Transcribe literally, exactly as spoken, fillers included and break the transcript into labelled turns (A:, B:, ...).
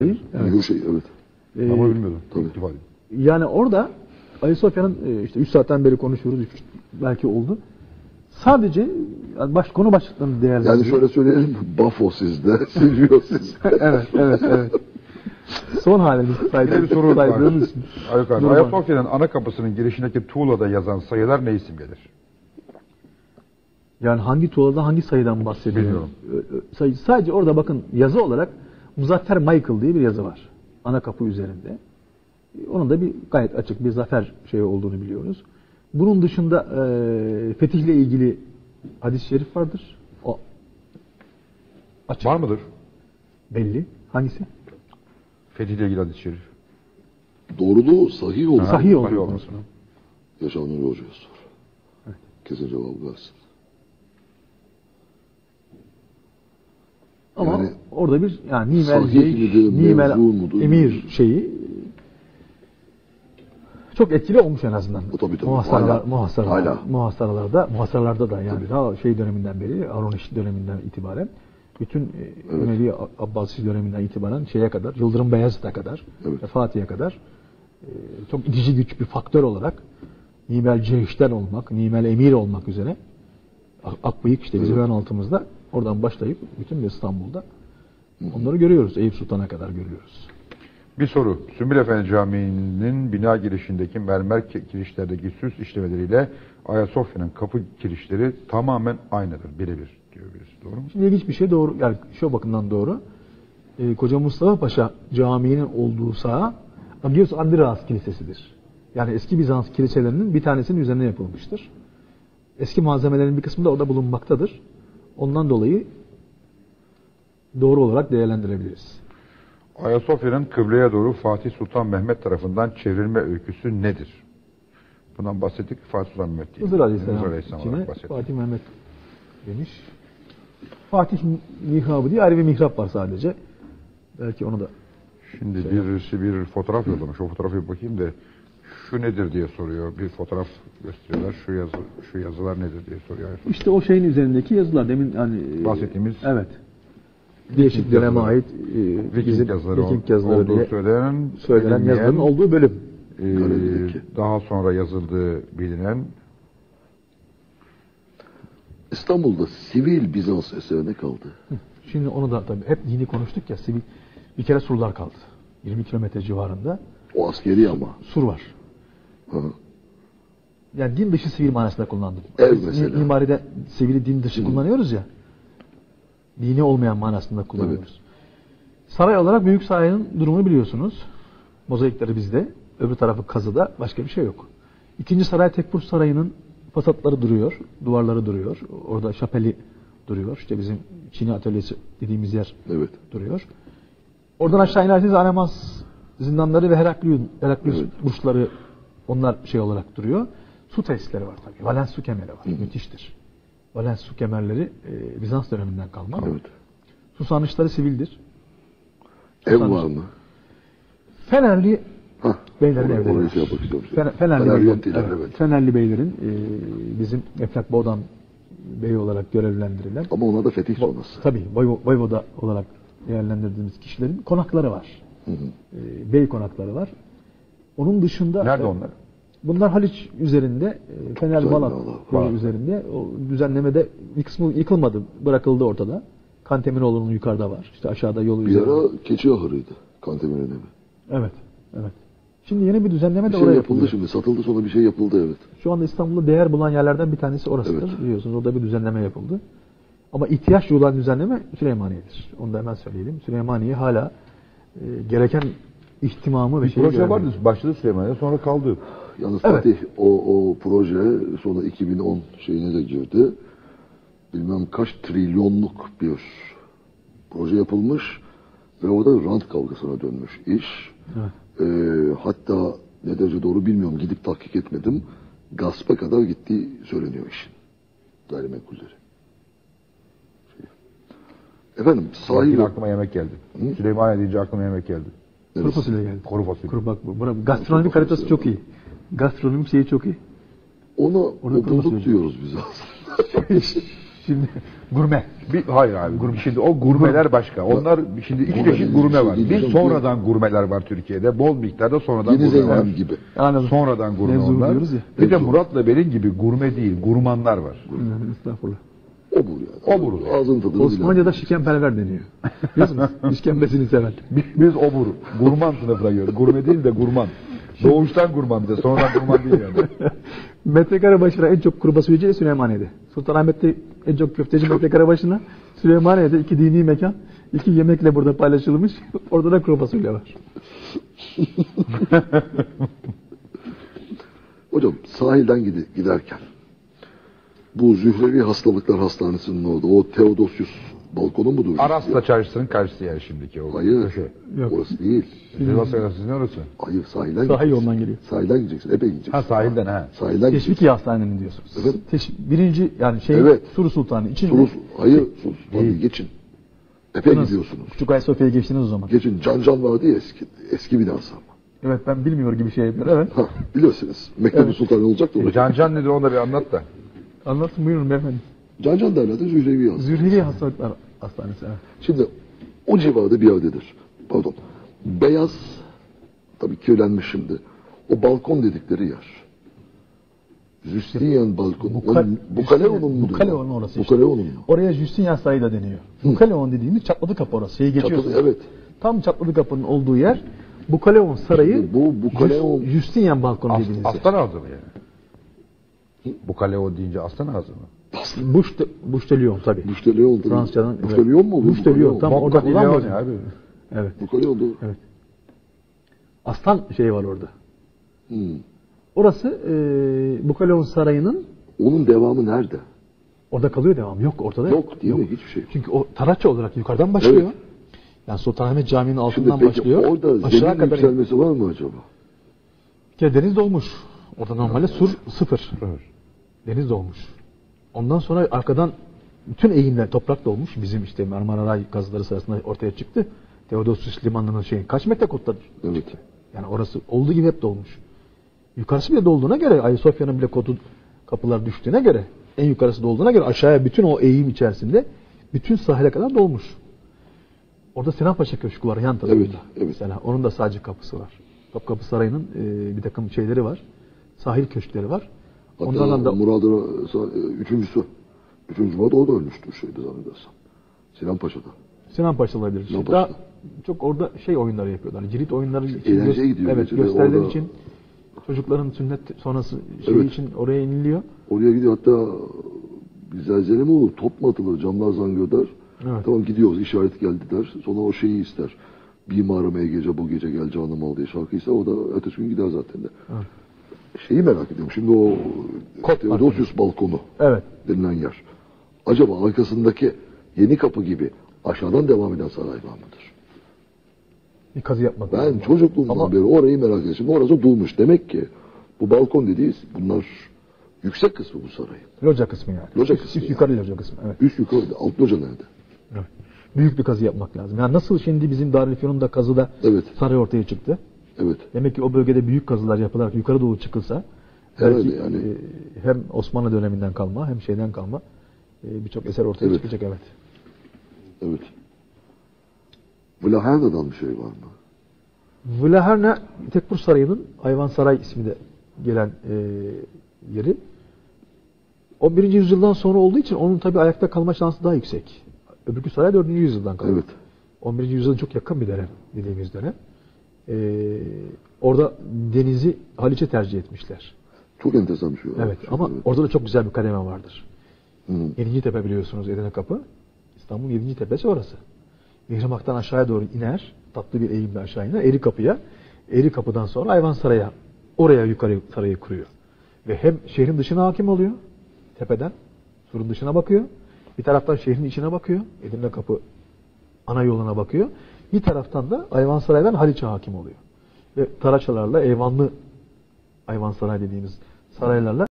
A: Evet. Şey, evet.
B: Ee, Ama bilmiyordum.
A: Tabii.
B: Yani orada Ayasofya'nın işte üç saatten beri konuşuyoruz, belki oldu. Sadece yani baş, konu başlıklarını değerlendiriyor.
A: Yani şöyle söyleyelim, Bafo sizde, Silvio sizde.
B: evet, evet, evet. Son halimiz saydığımız
C: bir soru var.
B: için.
C: Ayasofya'nın ana kapısının girişindeki tuğlada yazan sayılar ne isim gelir?
B: Yani hangi tuğlada hangi sayıdan bahsediyorum? Bilmiyorum. Sadece orada bakın yazı olarak Muzaffer Michael diye bir yazı var. Ana kapı üzerinde. Onun da bir gayet açık bir zafer şeyi olduğunu biliyoruz. Bunun dışında e, fetihle ilgili hadis-i şerif vardır. O açık.
C: Var mıdır?
B: Belli. Hangisi?
C: Fetihle ilgili hadis-i şerif.
A: Doğruluğu sahih olur.
B: Sahih olur konusunu.
A: Yaşar Nuri Hoca'ya sor. Evet. Kesin cevap versin.
B: Ama
A: yani,
B: orada bir yani nimel şey, nimel emir şeyi çok etkili olmuş en azından.
A: Tabii, tabii.
B: Muhasaralar, muhasaralar, muhasaralarda, muhasaralarda da yani daha şey döneminden beri, Aroniş döneminden itibaren bütün evet. Emevi Abbasi döneminden itibaren şeye kadar, Yıldırım Beyazıt'a kadar, evet. Fatih'e kadar çok itici güç bir faktör olarak nimel cehişten olmak, nimel emir olmak üzere Akbıyık işte bizim evet. ön altımızda oradan başlayıp bütün İstanbul'da onları görüyoruz. Eyüp Sultan'a kadar görüyoruz.
C: Bir soru. Sümbül Efendi Camii'nin bina girişindeki mermer kirişlerdeki süs işlemeleriyle Ayasofya'nın kapı kirişleri tamamen aynıdır. Birebir diyor birisi. Doğru mu?
B: Şimdi ilginç bir şey doğru. Yani şu bakımdan doğru. Ee, Koca Mustafa Paşa Camii'nin olduğu saha Agios Andreas Kilisesi'dir. Yani eski Bizans kiliselerinin bir tanesinin üzerine yapılmıştır. Eski malzemelerin bir kısmı da orada bulunmaktadır. Ondan dolayı doğru olarak değerlendirebiliriz.
C: Ayasofya'nın kıbleye doğru Fatih Sultan Mehmet tarafından çevrilme öyküsü nedir? Bundan bahsettik. Fatih Sultan Mehmet değil.
B: Hızır Aleyhisselam içine Fatih Mehmet demiş. Fatih mihrabı diye ayrı bir mihrap var sadece. Belki onu da
C: şimdi şey birisi bir fotoğraf yollamış. O fotoğrafı bakayım da şu nedir diye soruyor. Bir fotoğraf gösteriyorlar. Şu yazı, şu yazılar nedir diye soruyor.
B: İşte o şeyin üzerindeki yazılar demin hani
C: bahsettiğimiz.
B: Evet. Değişik döneme ait
C: e, Viking yazıları,
B: Viking yazıları
C: olduğu
B: diye
C: söylenen,
B: söylenen yazıların olduğu bölüm.
C: E, daha sonra yazıldığı bilinen.
A: İstanbul'da sivil Bizans eserine kaldı.
B: Şimdi onu da tabii hep dini konuştuk ya, sivil bir kere surlar kaldı. yirmi kilometre civarında.
A: O askeri ama.
B: Sur var.
A: Hı.
B: Yani din dışı sivil manasında kullandık.
A: Ev mesela.
B: Mimaride sivili din dışı Hı. kullanıyoruz ya. Dini olmayan manasında kullanıyoruz. Evet. Saray olarak Büyük Saray'ın durumunu biliyorsunuz. Mozaikleri bizde. Öbür tarafı kazıda. Başka bir şey yok. İkinci Saray Tekfur Sarayı'nın fasadları duruyor. Duvarları duruyor. Orada şapeli duruyor. İşte bizim Çini atölyesi dediğimiz yer evet. duruyor. Oradan aşağı inerseniz Anemas zindanları ve Heraklius, Heraklius evet. burçları onlar şey olarak duruyor. Su tesisleri var tabii. Valens su kemeri var. Hı. Müthiştir. Valens su kemerleri e, Bizans döneminden kalma.
A: Evet.
B: Susanışları sivildir.
A: Ev var mı?
B: Fenerli
A: Hah,
B: beylerin evleri var.
A: Şey
B: Fener, Fenerli, Fenerli, beyler, evet, evet. Fenerli beylerin e, bizim Eflak Boğdan Bey olarak görevlendirilen.
A: Ama ona da fetih sonrası.
B: Tabii. Voyvoda olarak değerlendirdiğimiz kişilerin konakları var. Hı hı. E, bey konakları var. Onun dışında...
C: Nerede onlar?
B: Bunlar Haliç üzerinde, Fener Balat yolu üzerinde. O düzenlemede bir kısmı yıkılmadı, bırakıldı ortada. Kanteminoğlu'nun yukarıda var. İşte aşağıda yolu
A: bir
B: üzerinde.
A: Bir ara keçi ahırıydı Kanteminoğlu evi.
B: Evet, evet. Şimdi yeni bir düzenleme
A: bir
B: de
A: şey
B: oraya
A: yapıldı
B: yapılıyor.
A: Şimdi satıldı sonra bir şey yapıldı evet.
B: Şu anda İstanbul'da değer bulan yerlerden bir tanesi orasıdır. Evet. Biliyorsunuz orada bir düzenleme yapıldı. Ama ihtiyaç duyulan düzenleme Süleymaniye'dir. Onu da hemen söyleyelim. Süleymaniye hala e, gereken ihtimamı ve şeyi
C: proje vardı. Başladı Süleymaniye sonra kaldı.
A: Yalnız evet. Fatih o, o proje sonra iki bin on şeyine de girdi. Bilmem kaç trilyonluk bir proje yapılmış ve orada rant kavgasına dönmüş iş. Evet. Ee, hatta ne derece doğru bilmiyorum, gidip tahkik etmedim. Gaspa kadar gittiği söyleniyor işin. Gayrimenkulleri. Şey. Efendim sahibi...
C: aklıma yemek geldi. Hı? Süleymaniye deyince aklıma yemek geldi.
B: Evet. Kuru fasulye geldi.
C: Kuru fasulye.
B: Kuru bak bu. Gastronomik haritası çok iyi. Gastronomik şeyi çok iyi.
A: Ona obulluk diyoruz biz aslında.
B: Şimdi gurme.
C: Bir, hayır abi. Şimdi o gurmeler başka. Onlar şimdi iki
A: Gurme
C: çeşit
A: dediğim
C: gurme
A: şey
C: var.
A: değil
C: Bir
A: hocam.
C: sonradan gurmeler var Türkiye'de. Bol miktarda sonradan
A: Yeni
C: gurme var.
A: Zeynep gibi.
B: Anladım.
C: Sonradan gurme
B: Mevzu
C: onlar.
B: diyoruz ya.
C: Bir de
A: Mevzu.
C: Murat'la benim gibi gurme değil, gurmanlar var.
B: Estağfurullah.
A: Obur yani.
C: Obur.
A: Ağzın tadını
B: Osmanlıca'da şikenperver deniyor. Biliyorsunuz? İşkembesini seven.
C: Biz, biz obur, gurman sınıfına giriyoruz. Gurme değil de gurman. Doğuştan gurman bize, sonradan gurman değil yani.
B: Metrekare başına en çok kuru fasulyeci Süleymaniye'de. Sultanahmet'te en çok köfteci metrekare başına. Süleymaniye'de iki dini mekan. İki yemekle burada paylaşılmış. Orada da kuru fasulye var.
A: Hocam sahilden gide- giderken bu Zührevi Hastalıklar Hastanesi'nin orada o Theodosius balkonu mudur?
C: Aras'la çarşısının karşısı yer şimdiki o.
A: Hayır.
C: Köşe.
B: Yok.
A: Orası değil.
C: Sivas Arası ne orası?
A: Hayır sahilden
B: Sahil
A: gideceksin.
B: yoldan geliyor.
A: Sahilden gideceksin. Epey gideceksin.
C: Ha sahilden ha.
A: Sahilden gideceksin.
B: Teşviki Hastanesi'nin diyorsunuz.
A: Evet.
B: Teş- birinci yani şey
A: Evet.
B: Suru Sultanı için.
A: Sulu, hayır Sulu Sultan'ı
C: Değil.
A: geçin. Epey gidiyorsunuz.
B: Küçük Ayasofya'ya geçtiniz o zaman.
A: Geçin. Can Can vardı ya eski, eski binası ama.
B: Evet ben bilmiyor gibi şey yapıyorum. Evet.
A: Ha, biliyorsunuz. Mektebi
B: Evet.
A: Sultan olacak da orada.
C: Can Can nedir onu da bir anlat da.
B: Anlatın buyurun beyefendi.
A: Can Can derlerdi Zührevi Hastanesi.
B: Zürhili Hastalıklar Hastanesi. Evet.
A: Şimdi o civarda bir yerdedir. Pardon. Beyaz, tabii kirlenmiş şimdi. O balkon dedikleri yer. Justinian balkonu.
B: Buka-
A: Onun- Bukaleon'un mu?
B: Bukaleon'un orası işte.
A: Bukaleon'un mu?
B: Oraya Justinian Sarayı da deniyor. Bukaleon dediğimiz çatladı kapı orası. Şeyi geçiyorsunuz.
A: Çatılı, evet.
B: Tam çatladı kapının olduğu yer Bukaleon Sarayı.
A: Bu Bukaleon-
B: Just- Justinian balkonu
C: As,
B: dediğiniz yer.
C: aslan ağzı mı yani? Bu kale o deyince aslan ağzı mı?
B: Buş de, Buş de Lyon tabii.
A: Bukaleon.
B: Fransızcadan. evet.
A: Bukaleon mu? bu?
B: Buş de Lyon. Tam orada
C: Bocca di Leone
B: kullanmıyor.
C: abi.
B: Evet.
A: Bukaleon doğru.
B: Evet. Aslan şeyi var orada.
A: Hmm.
B: Orası e, Bukaleon Sarayı'nın
A: Onun devamı nerede?
B: orada kalıyor devam. Yok ortada yok.
A: Yok değil mi? Hiçbir şey yok.
B: Çünkü o Tarakçı olarak yukarıdan başlıyor.
A: Evet.
B: Yani Sultanahmet Camii'nin
A: Şimdi
B: altından
A: peki
B: başlıyor.
A: orada
B: Aşağı
A: zemin
B: kadar
A: yükselmesi var mı acaba?
B: bir kere deniz dolmuş. Orada normalde sur sıfır. Deniz dolmuş. Ondan sonra arkadan bütün eğimler toprak dolmuş. Bizim işte Marmara Ray kazıları sırasında ortaya çıktı. Theodosius limanının şeyin kaç metre kotladır?
A: Evet.
B: Yani orası olduğu gibi hep dolmuş. Yukarısı bile dolduğuna göre Ayasofya'nın bile kotu kapılar düştüğüne göre en yukarısı dolduğuna göre aşağıya bütün o eğim içerisinde bütün sahile kadar dolmuş. Orada Sinan Paşa Köşkü var yan tarafında.
A: Evet, evet.
B: Mesela onun da sadece kapısı var. Topkapı Sarayı'nın e, bir takım şeyleri var. Sahil köşkleri var.
A: Hatta
B: Onlardan da
A: Murad'ın üçüncüsü. Üçüncü Murad orada ölmüştür şeyde zannedersem. Sinan Paşa'da.
B: Sinan Paşa olabilir.
A: Sinan
B: Daha
A: Paşa'da.
B: çok orada şey oyunları yapıyorlar. Cirit oyunları için,
A: Eğlenceye gidiyor
B: evet,
A: geceleri.
B: gösteriler
A: Orada-
B: için çocukların sünnet sonrası şeyi
A: Evet.
B: için oraya iniliyor.
A: Oraya gidiyor hatta bir zelzele mi olur? Top mu atılır? Camlar zangöder.
B: Evet.
A: Tamam gidiyoruz işaret geldi der. Sonra o şeyi ister. Bimarım ey gece bu gece gel canım al diye şarkı ister. O da ertesi gün gider zaten de.
B: Evet.
A: Şeyi merak ediyorum. Şimdi o
B: Kot
A: Theodosius balkonu
B: Evet.
A: denilen yer. Acaba arkasındaki Yeni Kapı gibi aşağıdan devam eden saray var mıdır?
B: Bir kazı yapmak
A: Ben
B: lazım.
A: çocukluğumdan
B: Ama-
A: beri orayı merak ediyorum. Şimdi orası durmuş. Demek ki bu balkon dediğiz bunlar yüksek kısmı bu sarayın.
B: Loca kısmı yani.
A: Loca
B: Üst-
A: kısmı
B: üst
A: yani.
B: yukarı loca kısmı. Evet.
A: Üst yukarı alt loca nerede?
B: Evet. Büyük bir kazı yapmak lazım. Yani nasıl şimdi bizim Darülfünun'da kazıda
A: Evet.
B: saray ortaya çıktı.
A: Evet.
B: Demek ki o bölgede büyük kazılar yapılarak yukarı doğru çıkılsa
A: Herhalde
B: belki
A: yani.
B: e, hem Osmanlı döneminden kalma hem şeyden kalma e, birçok eser ortaya
A: Evet.
B: çıkacak evet.
A: Evet. Vlaherda'dan bir şey var mı?
B: Vlaherne Tekfur Sarayı'nın Ayvansaray ismi de gelen e, yeri. on birinci yüzyıldan sonra olduğu için onun tabi ayakta kalma şansı daha yüksek. Öbürkü saray dördüncü yüzyıldan kalıyor.
A: Evet.
B: on birinci yüzyıla çok yakın bir dönem dediğimiz dönem. E, orada denizi Haliç'e tercih etmişler.
A: Çok enteresan bir şey var.
B: Evet ama orada da çok güzel bir kademe vardır.
A: Hı.
B: Yedinci Tepe biliyorsunuz Edirne Kapı. İstanbul'un yedinci tepesi orası. Mihrimah'tan aşağıya doğru iner. Tatlı bir eğimle aşağı iner. Eri Kapı'ya. Eri Kapı'dan sonra Ayvansaray'a. Oraya yukarı sarayı kuruyor. Ve hem şehrin dışına hakim oluyor. Tepeden. Surun dışına bakıyor. Bir taraftan şehrin içine bakıyor. Edirne Kapı ana yoluna bakıyor. Bir taraftan da Ayvansaray'dan Haliç'e hakim oluyor. Ve Taraçalarla Eyvanlı Ayvansaray dediğimiz saraylarla